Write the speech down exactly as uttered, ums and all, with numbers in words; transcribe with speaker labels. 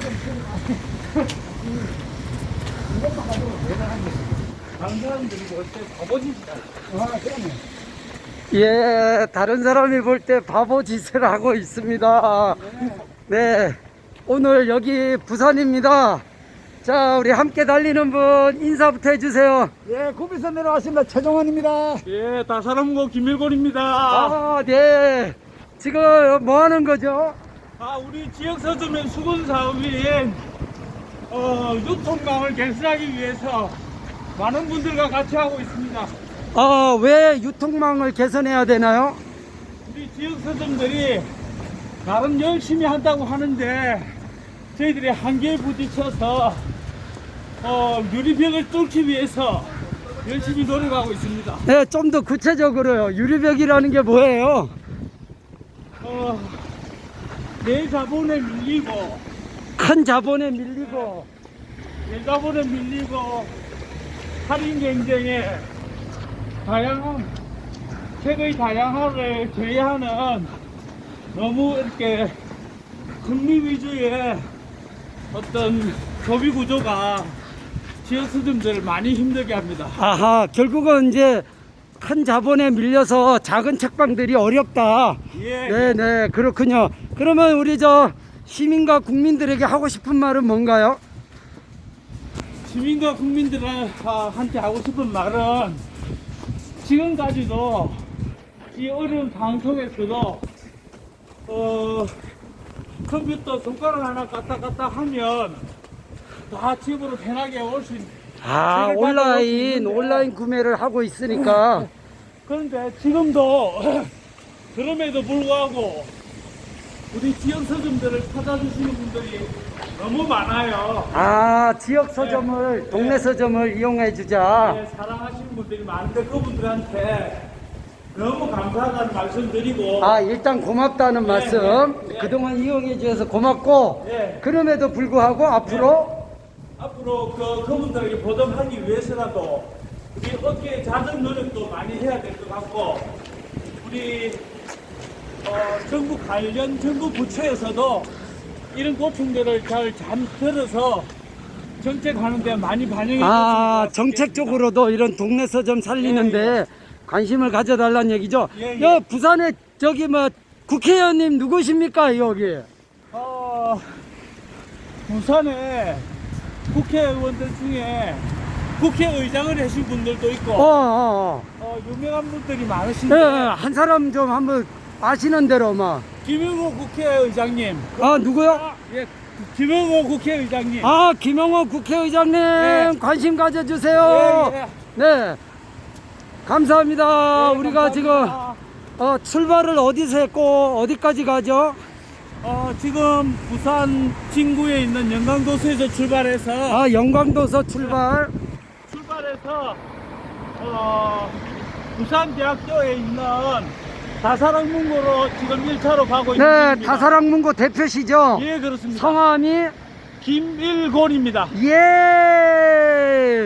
Speaker 1: 이것만 가지고 대단한 거지. 다른 사람들이 볼 때 바보짓이다. 아, 그러네.
Speaker 2: 예, 다른 사람이 볼 때 바보 짓을 하고 있습니다. 네, 오늘 여기 부산입니다. 자, 우리 함께 달리는 분 인사부터 해주세요.
Speaker 1: 예, 구비선 내려왔습니다. 최종원입니다.
Speaker 3: 예, 다사람고 김일곤입니다.
Speaker 2: 아, 네. 지금 뭐 하는 거죠?
Speaker 3: 아, 우리 지역 서점의 수건 사업인 어, 유통망을 개선하기 위해서 많은 분들과 같이 하고 있습니다.
Speaker 2: 아, 왜 유통망을 개선해야 되나요?
Speaker 3: 우리 지역 서점들이 나름 열심히 한다고 하는데 저희들이 한계에 부딪혀서 어, 유리벽을 뚫기 위해서 열심히 노력하고 있습니다.
Speaker 2: 네, 좀 더 구체적으로요. 유리벽이라는 게 뭐예요?
Speaker 3: 어, 내 자본에 밀리고
Speaker 2: 큰 자본에 밀리고.
Speaker 3: 내 자본에 밀리고 할인 경쟁에 다양한 책의 다양함을 제외하는 너무 이렇게 금리 위주의 어떤 소비 구조가 지역 서점들을 많이 힘들게 합니다.
Speaker 2: 아하, 결국은 이제 큰 자본에 밀려서 작은 책방들이 어렵다.
Speaker 3: 예,
Speaker 2: 네네, 그렇군요. 그러면 우리 저 시민과 국민들에게 하고 싶은 말은 뭔가요?
Speaker 3: 시민과 국민들한테 하고 싶은 말은 지금까지도 이 어려운 상황 속에서도 어, 컴퓨터 손가락 하나 까딱 까딱 하면 다 집으로 편하게 올 수 있는.
Speaker 2: 아,
Speaker 3: 책을
Speaker 2: 온라인,
Speaker 3: 받아볼 수 있는데.
Speaker 2: 온라인 구매를 하고 있으니까.
Speaker 3: 그런데 지금도 그럼에도 불구하고 우리 지역 서점들을 찾아주시는 분들이 너무 많아요.
Speaker 2: 아, 지역 서점을,
Speaker 3: 네.
Speaker 2: 동네 서점을 이용해 주자.
Speaker 3: 네, 사랑하시는 분들이 많은데 그분들한테 너무 감사하다는 말씀 드리고
Speaker 2: 아, 일단 고맙다는
Speaker 3: 네,
Speaker 2: 말씀.
Speaker 3: 네, 네.
Speaker 2: 그동안 이용해 주셔서 고맙고,
Speaker 3: 네.
Speaker 2: 그럼에도 불구하고 앞으로
Speaker 3: 앞으로 그, 그분들에게 보답하기 위해서라도 우리 어깨에 작은 노력도 많이 해야 될 것 같고 우리 어, 정부 관련 정부 부처에서도 이런 고충들을 잘 잠 들어서 정책하는 데 많이 반영해
Speaker 2: 아,
Speaker 3: 주시면
Speaker 2: 정책적으로도 이런 동네 서점 살리는데
Speaker 3: 예, 예.
Speaker 2: 관심을 가져달라는 얘기죠.
Speaker 3: 예, 예.
Speaker 2: 여 부산에 저기 뭐 국회의원님 누구십니까 여기?
Speaker 3: 어, 부산에 국회의원들 중에 국회의장을 하신 분들도 있고
Speaker 2: 어, 어,
Speaker 3: 어, 유명한 분들이
Speaker 2: 어.
Speaker 3: 많으신데
Speaker 2: 예, 예, 한 사람 좀 한번 아시는 대로 막.
Speaker 3: 김영호 국회의장님
Speaker 2: 아, 누구요?
Speaker 3: 아, 예, 김영호 국회의장님
Speaker 2: 아, 김영호 국회의장님
Speaker 3: 네.
Speaker 2: 관심 가져주세요.
Speaker 3: 예, 예.
Speaker 2: 네, 감사합니다.
Speaker 3: 네,
Speaker 2: 우리가
Speaker 3: 감사합니다.
Speaker 2: 지금 어, 출발을 어디서 했고 어디까지 가죠?
Speaker 3: 어, 지금 부산 진구에 있는 영광도서에서 출발해서
Speaker 2: 아, 영광도서 출발.
Speaker 3: 출발해서 어, 부산대학교에 있는 다사랑문고로 지금 일 차로 가고 있는
Speaker 2: 네,
Speaker 3: 중입니다.
Speaker 2: 다사랑문고 대표시죠?
Speaker 3: 예, 그렇습니다.
Speaker 2: 성함이
Speaker 3: 김일곤입니다.
Speaker 2: 예.